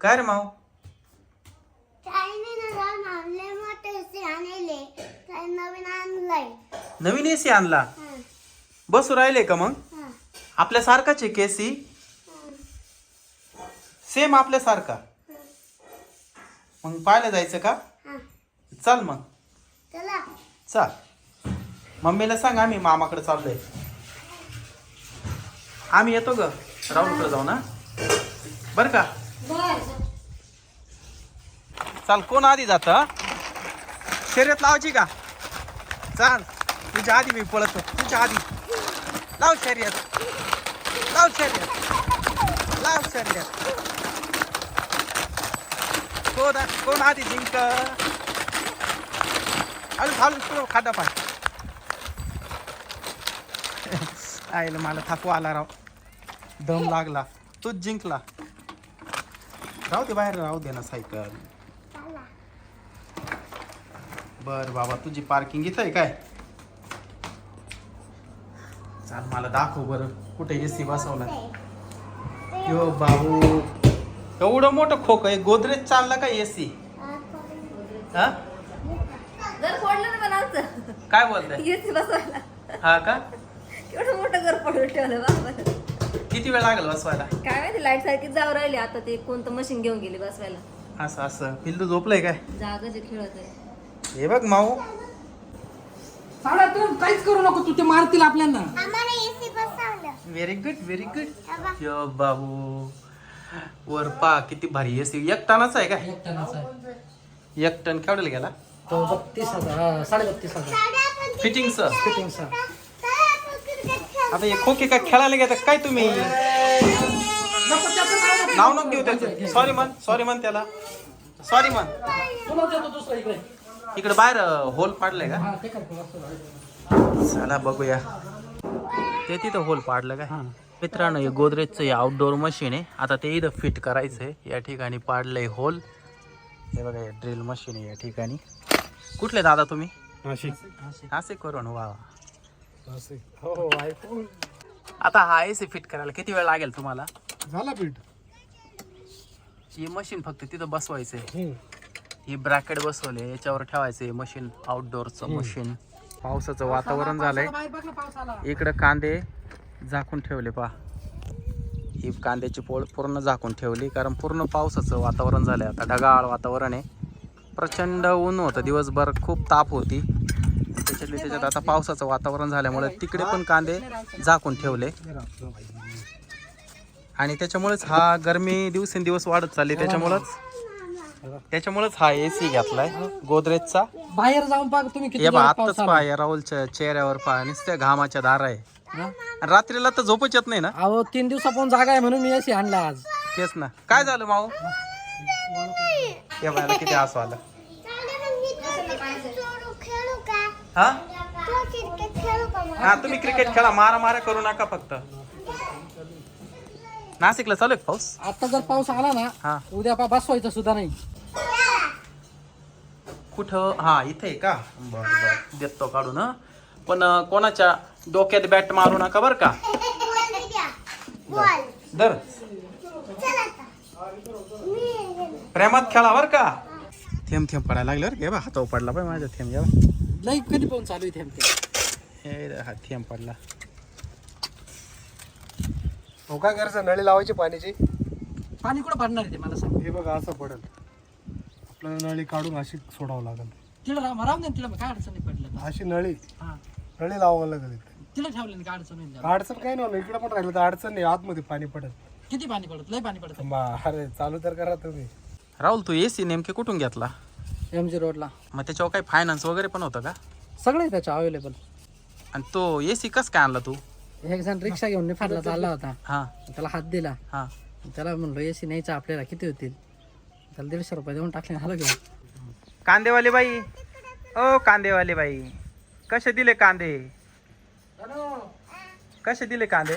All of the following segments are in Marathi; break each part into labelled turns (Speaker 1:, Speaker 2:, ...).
Speaker 1: काय रे माऊ? नवीन एसी आणला? बसू राहिले का मग? आपल्यासारखाच आहे केसी? सेम आपल्यासारखा? मग पाहायला जायचं का? चल मग. चल, मम्मीला सांग आम्ही मामाकडे चाललोय. आम्ही येतो ग, राहुलकडे जाऊ ना, बर का? चाल, कोण आधी जात? शर्यत लावायची का? चाल, तुझ्या आधी मी पळतो. तुझ्या आधी लाव शर्यत, लाव शर्यत, लाव शर्यत. कोण आधी जिंक? हळू खादा पाय. आईला मला थकवा आला राव, दम लागला. तूच जिंकला. राहू दे बाहेर, राहू दे ना सायकल. बर बाबा, तुझी पार्किंग इथं आहे काय? चाल, मला दाखव बरं कुठे एसी बसवला. यो बाबू, एवढं मोठं खोक आहे. गोदरेज चालला का एसी? हा, काय बोलताय?
Speaker 2: एसी बसवायला
Speaker 1: हा का?
Speaker 2: एवढं मोठं घर पडून ठेवलं बाबा.
Speaker 1: किती वेळ लागेल बसवायला?
Speaker 2: काय माहिती, लाईट सारखीच जाऊ राहिली. आता ते कोणतं मशीन घेऊन गेली बसवायला.
Speaker 1: असं असं पिल्लू झोपलंय काय?
Speaker 2: जागाचे खेळत आहे.
Speaker 1: हे बघ माऊ,
Speaker 3: साडा तू काहीच करू नको, तू ते मारतील आपल्याला.
Speaker 1: Very good, very good. यो बाबू, वर पा किती भारी एसी. एक टनाचा आहे का?
Speaker 3: एक टनाचा आहे.
Speaker 1: 1 टन केवढ्याला गेला?
Speaker 3: तो 32,000, 32,500
Speaker 1: फिटिंगचं.
Speaker 3: फिटिंगचा.
Speaker 1: आता हे खोके काय खेळायला घेतात काय तुम्ही?
Speaker 3: नको त्याचं
Speaker 1: नाव नको घेऊ त्याचं. सॉरी म्हण त्याला. सॉरी म्हण.
Speaker 3: तुला देतो दुसरा इकडे.
Speaker 1: इकडे बाहेर होल पाडलंय का?
Speaker 3: हा, ते कर.
Speaker 1: चला बघूया. ते तिथं होल पाडलं काय? मित्रांनो, हे गोदरेजचं आउटडोअर मशीन आहे. आता ते इथं फिट करायचंय. या ठिकाणी पाडलंय होल. हे बघा, हे ड्रिल मशीन आहे या ठिकाणी. कुठले दादा तुम्ही? नाशिक करून. वा,
Speaker 3: हो, ऐकून
Speaker 1: आता हा एसी फिट करायला किती वेळ लागेल तुम्हाला?
Speaker 3: झाला पीठ.
Speaker 1: ही मशीन फक्त तिथं बसवायचंय. ही ब्रॅकेट बसवले, याच्यावर ठेवायचंय मशीन. आउटडोअरचं मशीन. पावसाचं वातावरण झालंय. इकडं कांदे झाकून ठेवले पहा. ही कांद्याची पोळ पूर्ण झाकून ठेवली, कारण पूर्ण पावसाचं वातावरण झालंय. आता ढगाळ वातावरण आहे. प्रचंड ऊन होतं दिवसभर, खूप ताप होती. त्याच्यात आता पावसाचं वातावरण झाल्यामुळे तिकडे पण कांदे झाकून ठेवले. आणि त्याच्यामुळेच हा गरमी दिवसेंदिवस वाढत चालली. त्याच्यामुळेच हा एसी घेतलाय गोदरेजचा.
Speaker 3: बाहेर जाऊन पहा तुम्ही किती
Speaker 1: हे बा,
Speaker 3: जोरात पाऊस
Speaker 1: आत्ताच
Speaker 3: आला.
Speaker 1: पहा या राहुलच्या चेहऱ्यावर पहा, नुसत्या घामाच्या धारा आहे. आणि रात्रीला तर झोपच येत नाही ना.
Speaker 3: अहो, 3 दिवसापासून जागा आहे म्हणून मी एसी आणला आज.
Speaker 1: तेच ना. काय झालं माऊ? या बायला किती हसू आलं. हा हा, तुम्ही क्रिकेट खेळा, मारा करू नका फक्त. नाशिकला चालू आहे पाऊस?
Speaker 3: आता जर पाऊस आला
Speaker 1: हा.
Speaker 3: ना, उद्या बसवायचं सुद्धा नाही.
Speaker 1: कुठं? हा, इथे आहे का? बरं देतो काढून. पण कोणाच्या डोक्यात बॅट मारू नका बर का. दर प्रेमात खेळा बर का. थेंब पडायला लागले बरं. घे बा, हातावर पडला पाहिजे माझ्या थेंब. घ्या
Speaker 3: लई कधी पाऊस चालू आहे
Speaker 1: हे, हा थेंब पडला.
Speaker 4: हो, काय करायचं? नळी लावायची पाण्याची.
Speaker 3: पाणी कुठं पडणार आहे ते मला सांग.
Speaker 4: हे बघा, असं पडेल. आपल्याला नळी काढून अशी सोडावं लागेल.
Speaker 3: तिला राहून दे, तिला काय अडचण नाही पडलं.
Speaker 4: अशी नळी
Speaker 3: हा,
Speaker 4: नळी लावावं लागेल.
Speaker 3: तिला ठेवलं नाही, काय अडचण नाही.
Speaker 4: अडचण काही नाही, इकडे पण राहिलं तर अडचण नाही. आतमध्ये पाणी पडेल.
Speaker 3: किती पाणी पडत? लई पाणी पडत.
Speaker 4: अरे, चालू तर करा तुम्ही.
Speaker 1: राहुल, तू एसी नेमके कुठून घेतला?
Speaker 3: MG रोडला.
Speaker 1: मग त्याच्यावर काही फायनान्स वगैरे पण होतं का?
Speaker 3: सगळे त्याच्या अवेलेबल.
Speaker 1: आणि तो एसी कस काय आणला तू?
Speaker 3: एक जण रिक्षा घेऊन निफाडला चालला होता.
Speaker 1: हा
Speaker 3: त्याला हात दिला.
Speaker 1: हा.
Speaker 3: त्याला म्हणलो एसी न्यायचा आपल्याला, किती होतील? त्याला 150 रुपये देऊन टाकले. झालं घेऊन.
Speaker 1: कांदेवाली बाई, ओ कांदेवाली बाई, कसे दिले कांदे? कसे दिले कांदे?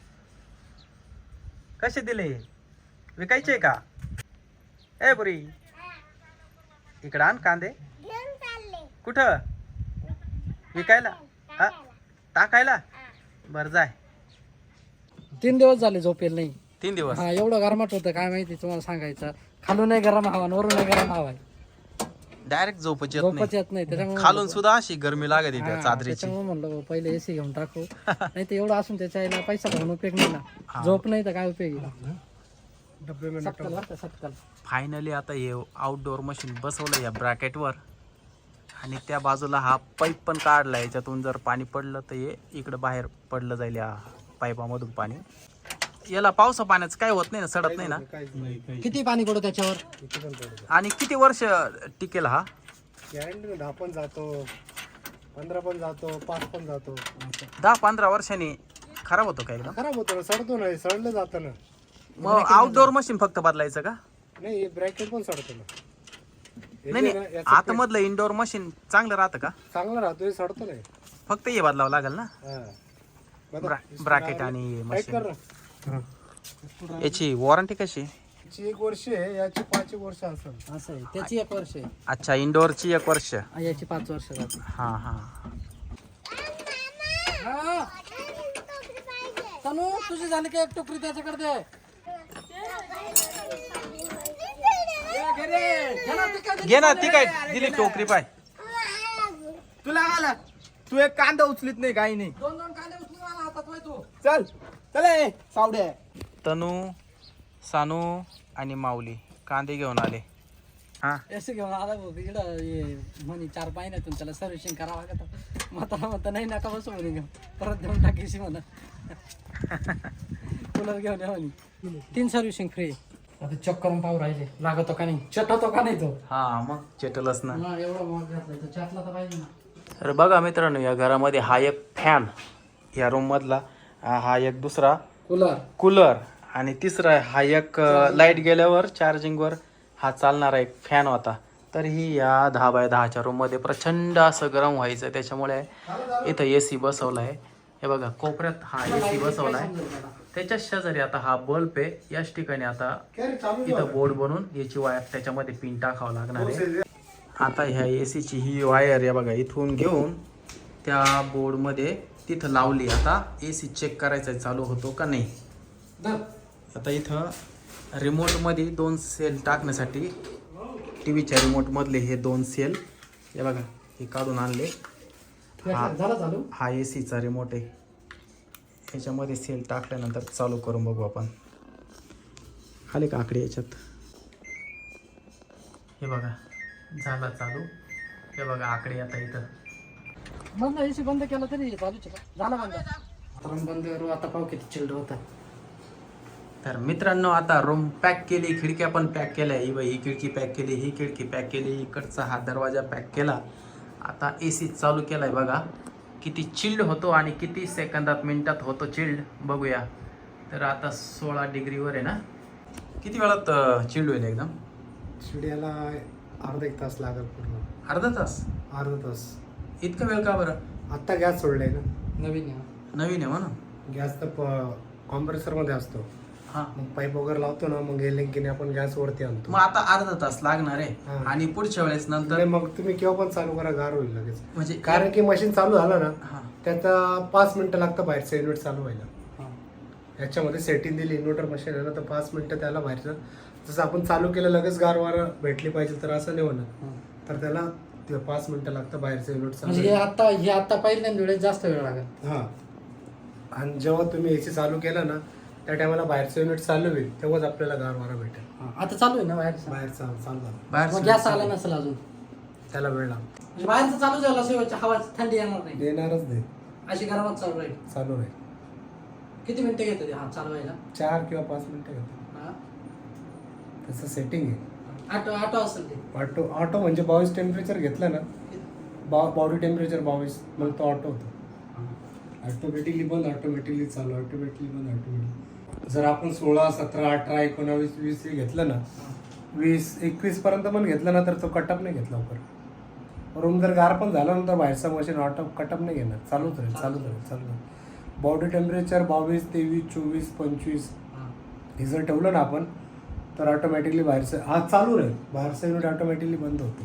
Speaker 1: कसे दिले? विकायचे का? ए बुरी, इकडं आण कांदे. कुठं? विकायला? टाकायला? बर जाय.
Speaker 3: 3 दिवस झाले झोपेल नाही.
Speaker 1: 3 दिवस
Speaker 3: हा एवढं गरमाट होतं काय माहिती तुम्हाला सांगायचं. खालून नाही गरम हवा आणि वरून नाही गरम हवा आहे.
Speaker 1: डायरेक्ट झोपच येत
Speaker 3: झोपच
Speaker 1: नाही.
Speaker 3: येत नाही त्याच्यामुळे
Speaker 1: खालून सुद्धा अशी गरमी लागत त्या
Speaker 3: हा,
Speaker 1: चादरीची.
Speaker 3: त्याच्यामुळे म्हणलं भाऊ, पहिले एसी घेऊन टाकू. नाही तर एवढं असून त्याच्या आईला पैसा घालून उपयोग नाही ना. झोप नाही तर काय उपयोग आहे?
Speaker 4: डब्बे में
Speaker 3: सटकल बरं का, सटकल.
Speaker 1: फायनली आता हे आउटडोअर मशीन बसवलं या ब्रॅकेटवर आणि त्या बाजूला हा पाईप पण काढला. याच्यातून जर पाणी पडलं तर हे इकडं बाहेर पडलं जाईल या पाईपामधून पाणी. याला पावसा पाण्याचं काय होत नाही ना, सडत नाही ना.
Speaker 4: काहीच नाही.
Speaker 3: किती पाणी पडू त्याच्यावर?
Speaker 4: किती पण पडू.
Speaker 1: आणि किती वर्ष टिकेल हा?
Speaker 4: गॅरंटी 10 पण जातो, 15 पण जातो, 5 पण जातो.
Speaker 1: 10-15 वर्षांनी खराब होतो का एकदम?
Speaker 4: खराब होतो ना, सडतो ना, सडलं जातं ना.
Speaker 1: मग आउटडोअर मशीन फक्त बदलायचं का?
Speaker 4: नाही ब्रॅकेट पण सडतो ना. हे
Speaker 1: नाही
Speaker 4: जे ना,
Speaker 1: नाही,
Speaker 4: याचं
Speaker 1: आतमधलं इंडोर मशीन चांगलं राहतं का?
Speaker 4: चांगलं राहतो, हे सडतो नाही.
Speaker 1: फक्त हे बदलावं लागेल ना,
Speaker 4: हा. बघा,
Speaker 1: ब्रॅकेट आणि
Speaker 4: टाईट कर
Speaker 1: मशीन.
Speaker 4: ना.
Speaker 1: याची वॉरंटी कशी?
Speaker 4: याची 1 वर्ष आहे, याची 5 वर्ष असेल.
Speaker 3: असं आहे. त्याची 1 वर्ष आहे.
Speaker 1: अच्छा, इंडोरची 1 वर्ष.
Speaker 3: आणि याची 5 वर्ष जाते.
Speaker 1: हा हा.
Speaker 3: तनू तुझी झाली का एक टोकरी त्याच्याकडे दे.
Speaker 1: घे ना, ती काय दिली टोकरी पाय.
Speaker 5: तुला आला तू एक कांदा उचलीत नाही काही नाही.
Speaker 3: 2-2 कांदे उचलून आला हातात वय तू.
Speaker 5: चल चल ए सावड्या.
Speaker 1: तनू, सानू आणि माऊली कांदे घेऊन आले. हा,
Speaker 3: एसी घेऊन आला भाऊ इकडं म्हणे 4 महिन्यातून त्याला सर्व्हिसिंग करावं लागतं. म्हणता नाही नका बसू म्हणे घेऊन परत देऊन टाकीशी म्हणा. कूलर घेऊन या म्हणे. 3 सर्व्हिसिंग फ्री. आता चेक करून पाहू राहिले लागतो का नाही, चटवतो का नाही तो.
Speaker 1: हा मग चेटलच ना.
Speaker 3: हा, एवढा मग घातलाय तर चटला तर पाहिजे ना.
Speaker 1: तर बघा मित्रांनो, या घरामध्ये हा एक फॅन, या रूम मधला हा एक दुसरा
Speaker 3: कूलर.
Speaker 1: कूलर आणि तिसरा हा एक लाईट गेल्यावर चार्जिंगवर हा चालणारा एक फॅन होता. तर ही या 10x10च्या रूममध्ये प्रचंड असं गरम व्हायचं. त्याच्यामुळे इथं AC बसवला आहे. हे बघा कोपऱ्यात हा AC बसवला आहे. त्याच्या शेजारी आता हा बल्ब आहे. याच ठिकाणी आता इथं बोर्ड बनवून याची वायर त्याच्यामध्ये पिन टाकावं लागणार आहे. आता ह्या ACची ही वायर या बघा इथून घेऊन त्या बोर्डमध्ये तिथं लावली. आता AC चेक करायचा चालू होतो का नाही. आता इथं रिमोटमध्ये 2 सेल टाकण्यासाठी TV च्या रिमोटमधले हे 2 सेल हे बघा हे काढून आणले.
Speaker 3: झाला चालू.
Speaker 1: हा ACचा रिमोट आहे. ह्याच्यामध्ये सेल टाकल्यानंतर चालू करून बघू आपण. आले का आकडे याच्यात? हे बघा झाला चालू. हे बघा आकडे आता इथं.
Speaker 3: बंद AC बंद केलं तरी चालूच आहे का? झाला बंद. आता बंद करू. आता पाहू किती चिल्ड होतं.
Speaker 1: तर मित्रांनो आता रूम पॅक केली, खिडक्या पण पॅक केल्या. ही खिडकी पॅक केली, ही खिडकी पॅक केली, इकडचा हा दरवाजा पॅक केला. आता AC चालू केलाय बघा किती चिल्ड होतो आणि किती सेकंदात मिनिटात होतो चिल्ड बघूया. तर आता 16 डिग्रीवर आहे ना. किती वेळात चिल्ड होईल एकदम?
Speaker 4: शिड्याला अर्धा 1 तास लागेल पूर्ण.
Speaker 1: अर्धा तास?
Speaker 4: अर्धा तास.
Speaker 1: इतका वेळ का बरं?
Speaker 4: आत्ता गॅस सोडलाय ना.
Speaker 3: नवीन आहे.
Speaker 1: नवीन आहे म्हणून.
Speaker 4: गॅस तर कॉम्प्रेसर मध्ये असतो.
Speaker 1: हा,
Speaker 4: मग पाईप वगैरे लावतो ना, मग गेले आपण गॅस वरती आणतो.
Speaker 1: मग आता अर्धा तास लागणार आहे.
Speaker 4: हा.
Speaker 1: आणि पुढच्या वेळेस नंतर
Speaker 4: नाही, मग तुम्ही केव्हा पण चालू करा, गार होईल लगेच.
Speaker 1: म्हणजे
Speaker 4: कारण की मशीन चालू झालं ना,
Speaker 1: हा
Speaker 4: त्याचा 5 मिनिटं लागतं बाहेरचं इन्व्हर्टर चालू व्हायला.
Speaker 3: हा.
Speaker 4: याच्यामध्ये सेटिंग दिली इन्व्हर्टर मशीन आहे ना, तर 5 मिनिटं त्याला बाहेरचं. जसं आपण चालू केलं लगेच गारवार भेटली पाहिजे तर असं नाही होणार. तर त्याला 5 मिनिटं लागतं बाहेरचं इन्व्हर्टर
Speaker 3: म्हणजे
Speaker 4: चालू.
Speaker 3: हे आता पहिल्यांदा वेळेस जास्त वेळ लागेल.
Speaker 4: हा. आणि जेव्हा तुम्ही AC चालू केलं ना, त्या टायमाला बाहेरचं युनिट चालू होईल, तेव्हाच आपल्याला गारवारा भेटेल.
Speaker 3: आता चालू आहे ना बाहेरचं.
Speaker 4: बाहेरचं चालू झालं
Speaker 1: बाहेर
Speaker 3: मग गॅस आला नसेल अजून.
Speaker 4: त्याला वेळ लागतो.
Speaker 3: म्हणजे बाहेरचं चालू झालं शेवटच्या हवा थंडी येणार नाही.
Speaker 4: देणारच नाही,
Speaker 3: अशी गरमात चालू राहील.
Speaker 4: चालू राहील.
Speaker 3: किती मिनिटं घेतं ते हा चालवायला?
Speaker 4: 4 किंवा 5 मिनिटं घेतो.
Speaker 3: हा.
Speaker 4: तसं सेटिंग आहे.
Speaker 3: ऑटो असेल ते.
Speaker 4: ऑटो म्हणजे 22 टेम्परेचर घेतलं ना, बॉडी टेम्परेचर 22, मग तो ऑटो होतो. ऑटोमॅटिकली बंद, ऑटोमॅटिकली चालू, ऑटोमॅटिकली बंद, ऑटोमॅटिकली. जर आपण 16, 17, 18, 19, 20 घेतलं ना, 20, 21 पर्यंत पण घेतलं ना, तर तो कटअप नाही घेतला लवकर. रूम जर गार पण झाला ना, तर बाहेरचा मशीन ऑटो कटअप नाही घेणार, चालूच राहील, चालूच राहील, चालू राहील. बॉडी टेम्परेचर 22, 23, 24, 25 हे जर ठेवलं ना आपण, तर ऑटोमॅटिकली बाहेरचं हा चालू राहील, बाहेरचं युनिट ऑटोमॅटिकली बंद होतो.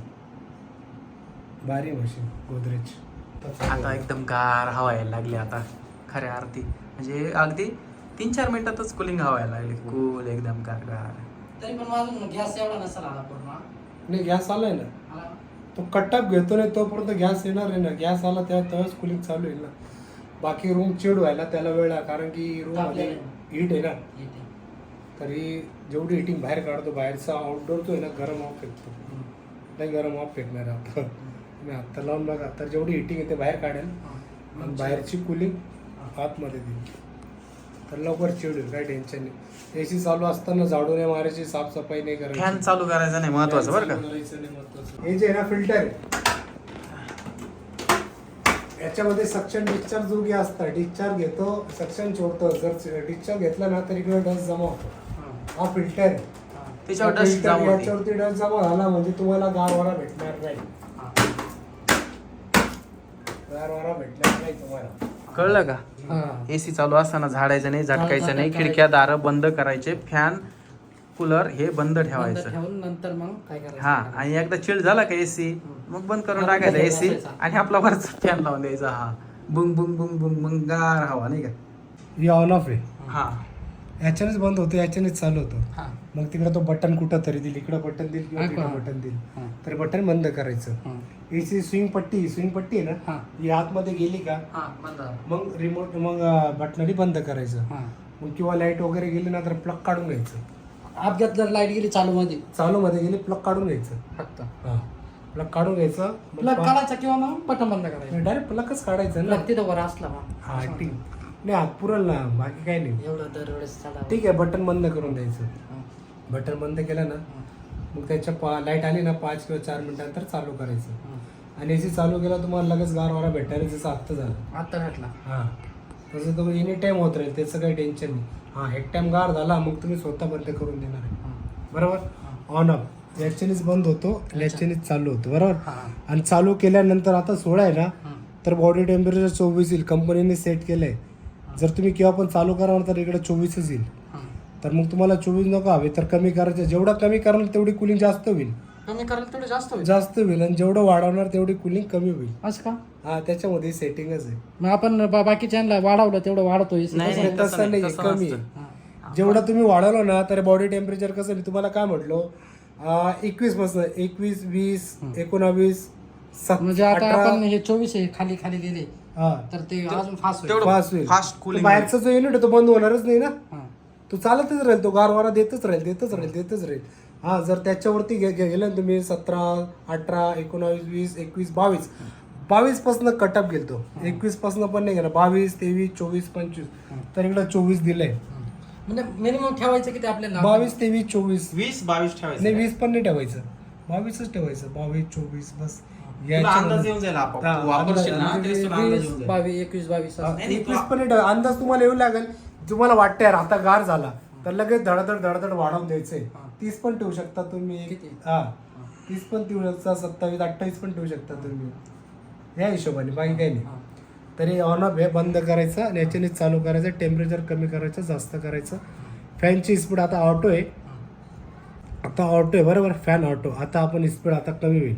Speaker 4: भारी मशीन गोदरेज.
Speaker 1: आता एकदम गार हवा यायला लागली आता खऱ्या अर्थी. म्हणजे अगदी 3-4 मिनिटातच कुलिंग हवा यायला लागली. कूल एकदम गारगार.
Speaker 3: तरी पण माझून गॅस एवढा नसेल आला पूर्ण.
Speaker 4: नाही गॅस आलाय ना,
Speaker 3: आला.
Speaker 4: तो कट्टाप घेतो नाही तोपर्यंत गॅस येणार आहे ना. गॅस आला तेव्हाच कूलिंग चालू आहे ना. बाकी रूम चिड व्हायला त्याला वेळ आहे, कारण की रूम मध्ये हीट आहे ना.
Speaker 3: येते.
Speaker 4: तरी जेवढी हिटिंग बाहेर काढतो, बाहेरचा आउटडोर तो आहे ना गरम ऑफ फेकतो. नाही गरम ऑफ फेकणार आता मी आत्ता लावून बघा. तर जेवढी हिटिंग आहे ते बाहेर काढेल आणि बाहेरची कूलिंग आतमध्ये देईल. तर लवकर चिड होईल, काही टेन्शन नाही. एसी चालू असताना झाडू नाही मारायची, साफसफाई नाही करायची.
Speaker 1: फॅन चालू करायचा नाही महत्वाचं बरं का.
Speaker 4: हे जे आहे ना फिल्टर आहे, याच्यामध्ये सक्शन डिस्चार्ज जोगी असतात. डिस्चार्ज घेतो, सक्शन सोडतो. जर डिस्चार्ज घेतला ना तर इकडे डस्ट जमा होतो. हा फिल्टर आहे,
Speaker 1: त्याच्यावर डस्ट
Speaker 4: filter
Speaker 1: जमा होते.
Speaker 4: याच्यावरती डस्ट जमा झाला म्हणजे तुम्हाला गारवारा भेटणार नाही. गारवारा भेटणार नाही तुम्हाला.
Speaker 1: कळलं का.
Speaker 3: हा.
Speaker 1: एसी चालू असताना झाडायचं नाही, झटकायचं नाही. खिडक्या दारं बंद करायचे. फॅन कूलर हे बंद
Speaker 3: बंद
Speaker 1: ठेवायचं.
Speaker 3: ठेवून नंतर मग काय करायचं?
Speaker 1: हा, आणि एकदा चिल्ड झाला का एसी मग बंद करून टाकायचा एसी आणि आपला वरचा फॅन लावून द्यायचा. हा बुंग बुंग बुंग बुंग बुंग गार हवा नाही का.
Speaker 4: हे ऑन ऑफ आहे,
Speaker 1: हा
Speaker 4: याच्यानेच बंद होतो, याच्यानेच चालू होतो.
Speaker 3: हा.
Speaker 4: मग तिकडे तो बटन कुठं तरी दिल, इकडं बटन दिल किंवा तिकडं बटन दिल,
Speaker 3: हा.
Speaker 4: तर बटन बंद करायचं.
Speaker 3: हा.
Speaker 4: एसी स्विंग पट्टी आहे ना,
Speaker 3: हा.
Speaker 4: ही आतमध्ये गेली का
Speaker 3: हा, बंद झालं.
Speaker 4: मग रिमोट मग बटनरी बंद करायचं.
Speaker 3: हा.
Speaker 4: मग किंवा लाईट वगैरे गेली ना तर प्लग काढून घ्यायचं.
Speaker 3: अपघात जर लाईट गेली चालू मध्ये
Speaker 4: चालू मध्ये गेली प्लग काढून घ्यायचं.
Speaker 3: फक्त
Speaker 4: हा, प्लग काढून घ्यायचं.
Speaker 3: प्लग काढायचा किंवा मग बटन बंद करायचं.
Speaker 4: डायरेक्ट प्लगच काढायचं ना.
Speaker 3: प्लग तिथं वर असला मग
Speaker 4: हा ठीक नाही, हात पुरल ना, बाकी काही नाही.
Speaker 3: एवढं दरवेळेस चालू.
Speaker 4: ठीक आहे, बटन बंद करून द्यायचं. बटन बंद केलं ना मग त्याच्या लाईट आली ना 5 किंवा 4 मिनिटानंतर चालू करायचं. आणि एसी चालू केला तुम्हाला लगेच गारवारा भेटायला, जसं आत्ता झालं.
Speaker 3: आता भेटला.
Speaker 4: हां, तसं तो एनी टाईम होत राहील, त्याचं काही टेन्शन नाही. हां, एक टाइम गार झाला मग तुम्ही स्वतः बंद करून देणार आहे. बरोबर. ऑन ऑफ याच्यानेच बंद होतो, याच्यानेच चालू होतो. बरोबर. आणि चालू केल्यानंतर आता 16 आहे ना, तर बॉडी टेम्परेचर 24 येईल. कंपनीने सेट केलं आहे. जर तुम्ही केव्हा पण चालू कराल तर इकडे 24च येईल. तर मग तुम्हाला 24 नको हवे तर कमी करायचं. जेवढा कमी कराल तेवढी कूलिंग जास्त होईल.
Speaker 3: कमी करायला थोडं जास्त होईल.
Speaker 4: जास्त होईल आणि जेवढं वाढवणार तेवढी कूलिंग कमी होईल.
Speaker 3: असं का?
Speaker 4: हा, त्याच्यामध्ये सेटिंगच आहे.
Speaker 3: मग आपण बाकीच्यांना वाढवलं तेवढं वाढतो.
Speaker 1: नाही,
Speaker 4: तसं नाही,
Speaker 1: तसं
Speaker 4: कमी
Speaker 1: नसतं.
Speaker 4: आहे. जेवढं तुम्ही वाढवलं ना तर बॉडी टेम्परेचर कसं, मी तुम्हाला काय म्हटलो, 21 पासून 21, 20, 19,
Speaker 3: म्हणजे आता आपण हे 24 आहे खाली खाली गेले
Speaker 4: हा
Speaker 3: तर ते अजून फास्ट होईल.
Speaker 1: तेवढं
Speaker 4: फास्ट होईल.
Speaker 1: फास्ट
Speaker 4: तो
Speaker 1: कूलिंग.
Speaker 4: बाहेरचा जो युनिट तो बंद होणारच नाही ना.
Speaker 3: हा.
Speaker 4: तो चालतच राहील, तो गारवारा देतच राहील. हा, जर त्याच्यावरती गेलं ना तुम्ही 17, 18, 19, 20, 21, 22 पासून कटअप गेलतो. 21 पासून पण नाही गेला. 22, 23, 24, 25 तर इकडे 24 दिलंय.
Speaker 3: म्हणजे मिनिमम ठेवायचं किती आपल्याला?
Speaker 4: 22, 23, 24
Speaker 1: 20-22 ठेवायचं.
Speaker 4: नाही, 20 पण नाही ठेवायचं, 22च ठेवायचं. 22, 24 बस.
Speaker 1: तुला अंदाज येऊन जाईल आपोआप.
Speaker 4: हा,
Speaker 1: तू वापरशील ना
Speaker 4: अंदाज-
Speaker 1: तरी तुला अंदाज येऊन जाईल.
Speaker 3: 22, 21, 22 असं.
Speaker 1: नाही,
Speaker 4: 21 पण नाही ठेवायचं. अंदाज तुम्हाला येऊ लागेल. तुम्हाला वाटतं यार आता गार झाला तर लगेच धडधड वाढवून द्यायचंय. 30 पण ठेवू शकता तुम्ही.
Speaker 3: किती?
Speaker 4: हा, 30 पण ठेवू शकता, 27, 28 पण ठेवू शकता तुम्ही. या हिशोबाने, बाकी काही नाही. तरी ऑन ऑफ हे बंद करायचं आणि याच्याने चालू करायचं. टेम्परेचर कमी करायचं, जास्त करायचं. फॅनची स्पीड आता ऑटो आहे. बरोबर. Fan auto. आता आपण स्पीड आता कमी होईल.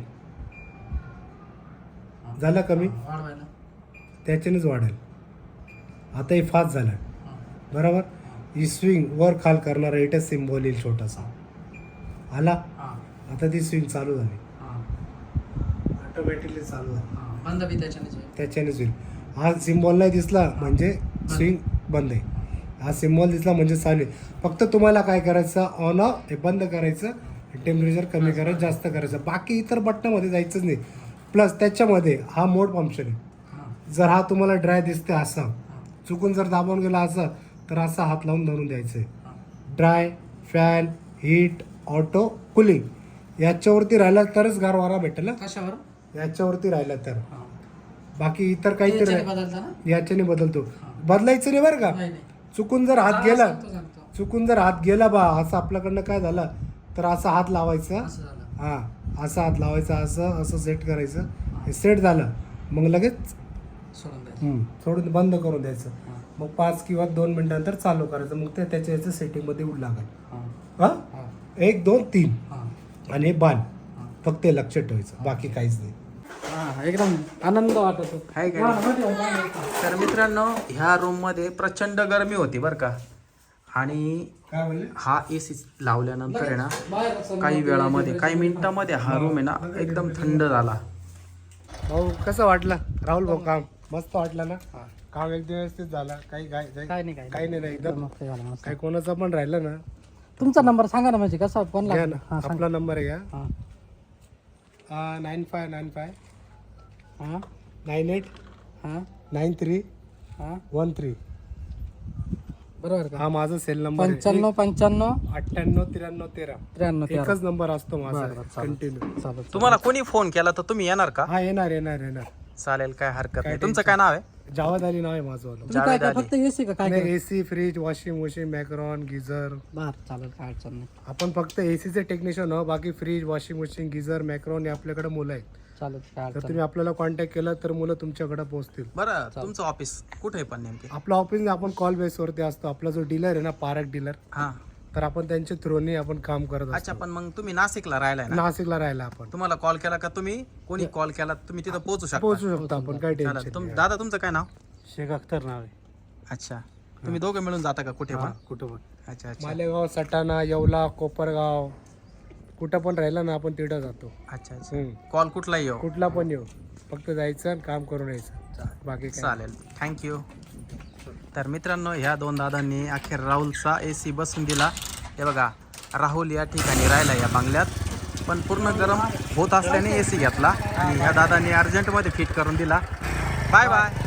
Speaker 4: झालं कमी,
Speaker 3: वाढवायला.
Speaker 4: त्याच्यानेच वाढेल. आता हे फास्ट झालं. बरोबर. ही स्विंग वर खाल करणारा इथे सिम्बॉल येईल छोटासा. आला. आता ती स्विंग चालू झाली, ऑटोमॅटिकली चालू झाली.
Speaker 3: बंद बी त्याच्यानेच होईल.
Speaker 4: त्याच्यानेच होईल. हा सिम्बॉल नाही दिसला म्हणजे स्विंग बंद आहे. हा सिम्बॉल दिसला म्हणजे चालू आहे. फक्त तुम्हाला काय करायचं, ऑन ऑफ हे बंद करायचं, टेम्परेचर कमी करायचं, जास्त करायचं. बाकी इतर बटनामध्ये जायचंच नाही. प्लस त्याच्यामध्ये हा मोड फंक्शन आहे. जर हा तुम्हाला ड्राय दिसते असा, चुकून जर दाबून गेला असा तर असा हात लावून धरून द्यायचं आहे. Dry, fan, heat, auto, cooling याच्यावरती राहिला तरच गारवारा भेटेल.
Speaker 3: कशावर?
Speaker 4: याच्यावरती राहिला तर. बाकी इतर काहीतरी
Speaker 3: याच्याने बदलता ना?
Speaker 4: याच्याने बदलतो. बदलायचं नाही बरं का.
Speaker 3: नाही, नाही.
Speaker 4: चुकून जर हात गेला,
Speaker 3: सांगतो.
Speaker 4: चुकून जर हात गेला बा असं आपल्याकडनं काय झालं तर असा हात लावायचा.
Speaker 3: असं झालं.
Speaker 4: हा, असा हात लावायचा, असं सेट करायचं. हे सेट झालं मग लगेच
Speaker 3: सोडून द्यायचं.
Speaker 4: सोडून बंद करून द्यायचं. मग 5 किंवा 2 मिनिटानंतर चालू करायचं. मग ते त्याच्या याचं सेटिंगमध्ये येऊ लागेल. हा, 1, 2, 3 आणि हे बाण फक्त हे लक्षात ठेवायचं, बाकी काहीच नाही.
Speaker 3: एकदम आनंद वाटतो.
Speaker 1: आहे का नाही? तर मित्रांनो ह्या रूम मध्ये प्रचंड गरमी होती बरं का. आणि
Speaker 4: काय म्हणले?
Speaker 1: हा एसी लावल्यानंतर आहे ना काही वेळामध्ये काही मिनिटामध्ये हा रूम आहे ना एकदम थंड झाला.
Speaker 4: भाऊ कसं वाटलं राहुल भाऊ काम मस्त वाटलं ना. काम एकदम व्यवस्थित झालं. काही
Speaker 3: काय नाही
Speaker 4: काही नाही एकदम
Speaker 3: मस्त झालं, मस्त.
Speaker 4: काही कोणाचं पण राहिलं ना
Speaker 3: तुमचा नंबर सांगा ना, म्हणजे कसं फोन
Speaker 4: घ्या
Speaker 3: लागला.
Speaker 4: ना. आपला नंबर आहे
Speaker 3: हा.
Speaker 4: 9595
Speaker 3: हा
Speaker 4: 98
Speaker 3: हा
Speaker 4: 93
Speaker 3: हा
Speaker 4: 13.
Speaker 3: बरोबर का?
Speaker 4: हा माझा सेल नंबर
Speaker 3: 95 95
Speaker 4: 98 93 13.
Speaker 3: 93
Speaker 4: एकच नंबर असतो माझा
Speaker 3: बरं, चालेल.
Speaker 4: कंटिन्यू.
Speaker 3: चालेल.
Speaker 1: तुम्हाला कोणी फोन केला तर तुम्ही येणार का?
Speaker 4: हा येणार
Speaker 1: चालेल, काय हरकत नाही. तुमचं काय नाव आहे?
Speaker 4: जावद अली नाव आहे माझं.
Speaker 3: तुम्ही काय काय फक्त एसी का काय काय?
Speaker 4: एसी फ्रीज वॉशिंग मशीन मॅक्रॉन गिझर.
Speaker 3: बर चालेल, काय अडचण नाही.
Speaker 4: आपण फक्त एसीचे टेक्निशियन आहोत. बाकी फ्रीज वॉशिंग मशीन गिझर मॅक्रॉन हे आपल्याकडे मुलं आहेत.
Speaker 3: चालेल, काय
Speaker 4: तर
Speaker 3: अडचण
Speaker 4: तुम्ही आपल्याला कॉन्टॅक्ट केला तर मुलं तुमच्याकडे पोहोचतील.
Speaker 1: बरं, तुमचं ऑफिस कुठे आहे पण नेमके?
Speaker 4: आपलं ऑफिस आपण कॉल बेसवरती असतो. आपला जो डीलर आहे ना पारक डीलर,
Speaker 1: हा,
Speaker 4: तर आपण त्यांच्या थ्रूने आपण काम करत
Speaker 1: अच्छा.
Speaker 4: असतो.
Speaker 1: पण मग तुम्ही नाशिकला राहिलाय ना?
Speaker 4: नाशिकला राहिला आपण
Speaker 1: तुम्हाला कॉल केला का तुम्ही कोणी कॉल केला तुम्ही तिथं पोहोचू शकता?
Speaker 4: पोहोचू शकतो आपण. काही
Speaker 1: चालेल.
Speaker 4: टेन्शन
Speaker 1: दादा तुमचं काय नाव?
Speaker 3: शेख अख्तर नाव आहे.
Speaker 1: अच्छा, तुम्ही दोघं मिळून जाता का कुठे पण?
Speaker 3: कुठं पण.
Speaker 1: अच्छा अच्छा
Speaker 4: मालेगाव सटाणा येवला कोपरगाव कुठं पण राहिला ना आपण तिथं जातो.
Speaker 1: अच्छा अच्छा. कॉल कुठलाही येऊ?
Speaker 4: कुठला पण येऊ, फक्त जायचं आणि काम करून यायचं. बाकी काय
Speaker 1: चालेल, थँक्यू. तर मित्रांनो ह्या दोन दादांनी अखेर राहुलचा AC बसून दिला. हे बघा, राहुल या ठिकाणी राहिला या बंगल्यात, पण पूर्ण गरम होत असल्याने AC घेतला आणि ह्या दादांनी अर्जंटमध्ये फिट करून दिला. Bye bye.